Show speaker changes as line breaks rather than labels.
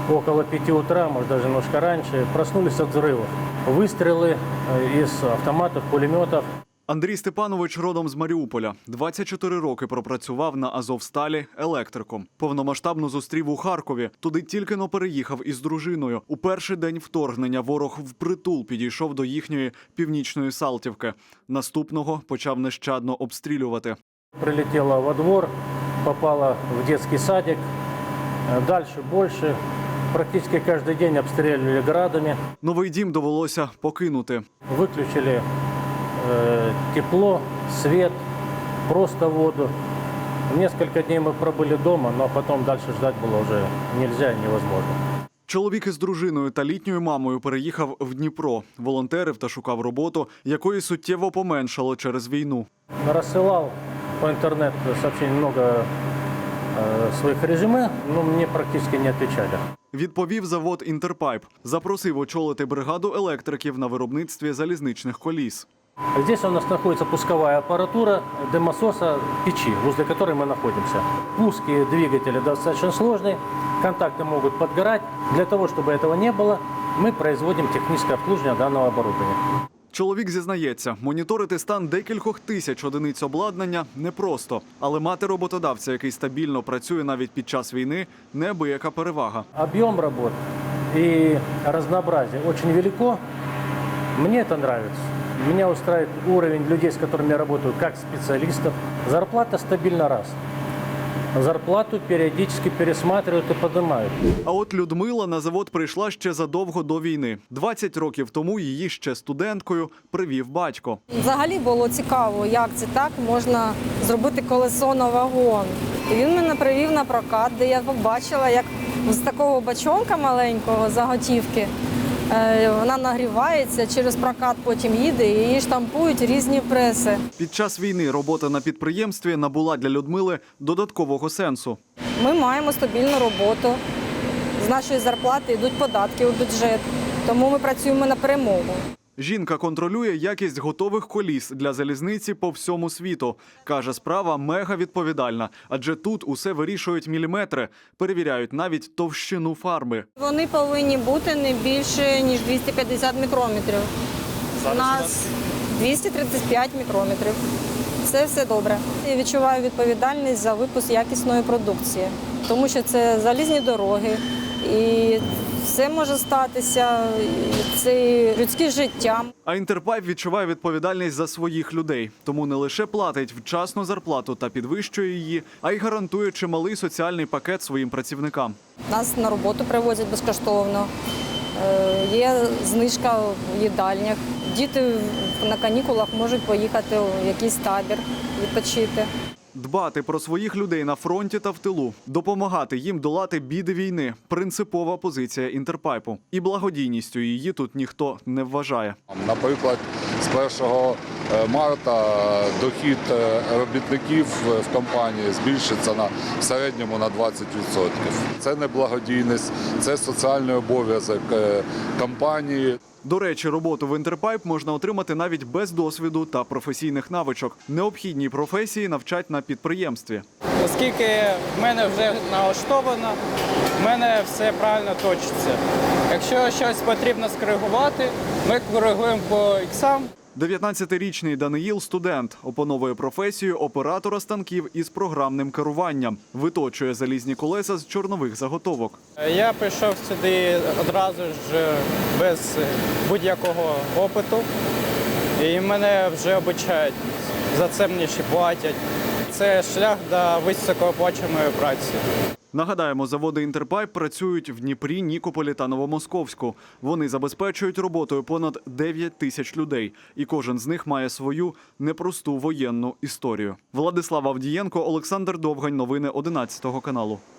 около 5 утра, может даже немножко раньше, проснулись от взрывов. Выстрелы из автоматов, пулеметов.
Андрій Степанович родом з Маріуполя. 24 роки пропрацював на Азовсталі електриком. Повномасштабно зустрів у Харкові. Туди тільки-но переїхав із дружиною. У перший день вторгнення ворог впритул підійшов до їхньої північної Салтівки. Наступного почав нещадно обстрілювати.
Прилетела во двор, попала в детский садик. Дальше больше. Практически каждый день обстреливали градами.
Новий дім довелося покинути.
Выключили тепло, свет, просто воду. Несколько дней мы пробыли дома, но потом дальше ждать было уже нельзя и невозможно.
Чоловік із дружиною та літньою мамою переїхав в Дніпро. Волонтерив та шукав роботу, якої суттєво поменшало через війну.
Рассылал по интернету сообщений много своих резюме, но мне практически не отвечали.
Відповів завод «Інтерпайп». Запросив очолити бригаду електриків на виробництві залізничних коліс.
Здесь у нас находится пусковая аппаратура дымососа печи, возле которой мы находимся. Пуски двигателя достаточно сложные, контакты могут подгорать. Для того, чтобы этого не было, мы производим техническое обслуживание данного оборудования.
Чоловік зізнається, моніторити стан декількох тисяч одиниць обладнання непросто. Але мати роботодавця, який стабільно працює навіть під час війни, неабияка перевага.
Объем работ и разнообразие очень велико. Мне это нравится. Меня устраивает уровень людей, с которыми я работаю, как специалистов. Зарплата стабильно раз. Зарплату периодически пересматривают и поднимают.
А от Людмила на завод прийшла ще задовго до війни. 20 років тому її ще студенткою привів батько.
Взагалі було цікаво, як це так можна зробити колесо на вагон. І він мене привів на прокат, де я побачила, як з такого бачонка маленького заготівки вона нагрівається, через прокат потім їде і її штампують різні преси.
Під час війни робота на підприємстві набула для Людмили додаткового сенсу.
Ми маємо стабільну роботу, з нашої зарплати йдуть податки у бюджет, тому ми працюємо на перемогу.
Жінка контролює якість готових коліс для залізниці по всьому світу. Каже, справа мега відповідальна, адже тут усе вирішують міліметри, перевіряють навіть товщину фарби.
Вони повинні бути не більше, ніж 250 мікрометрів. У нас 235 мікрометрів. Це все добре. Я відчуваю відповідальність за випуск якісної продукції, тому що це залізні дороги і все може статися, це людське життя.
А «Інтерпайп» відчуває відповідальність за своїх людей. Тому не лише платить вчасну зарплату та підвищує її, а й гарантує чималий соціальний пакет своїм працівникам.
Нас на роботу привозять безкоштовно, є знижка в їдальнях. Діти на канікулах можуть поїхати у якийсь табір відпочити.
Дбати про своїх людей на фронті та в тилу, допомагати їм долати біди війни – принципова позиція «Інтерпайпу». І благодійністю її тут ніхто не вважає.
Наприклад, з 1 марта дохід робітників в компанії збільшиться в середньому на 20%. Це не благодійність, це соціальний обов'язок компанії.
До речі, роботу в «Інтерпайп» можна отримати навіть без досвіду та професійних навичок. Необхідні професії навчать на підприємстві.
Оскільки в мене вже налаштовано, в мене все правильно точиться. Якщо щось потрібно скоригувати, ми коригуємо по іксам.
19-річний Даниїл – студент, опановує професію оператора станків із програмним керуванням. Виточує залізні колеса з чорнових заготовок.
Я прийшов сюди одразу ж без будь-якого опиту. І мене вже обучають. За це мені ще платять. Це шлях до високооплачуваної праці.
Нагадаємо, заводи «Інтерпайп» працюють в Дніпрі, Нікополі та Новомосковську. Вони забезпечують роботою понад 9 тисяч людей. І кожен з них має свою непросту воєнну історію. Владислав Авдієнко, Олександр Довгань. Новини 11 каналу.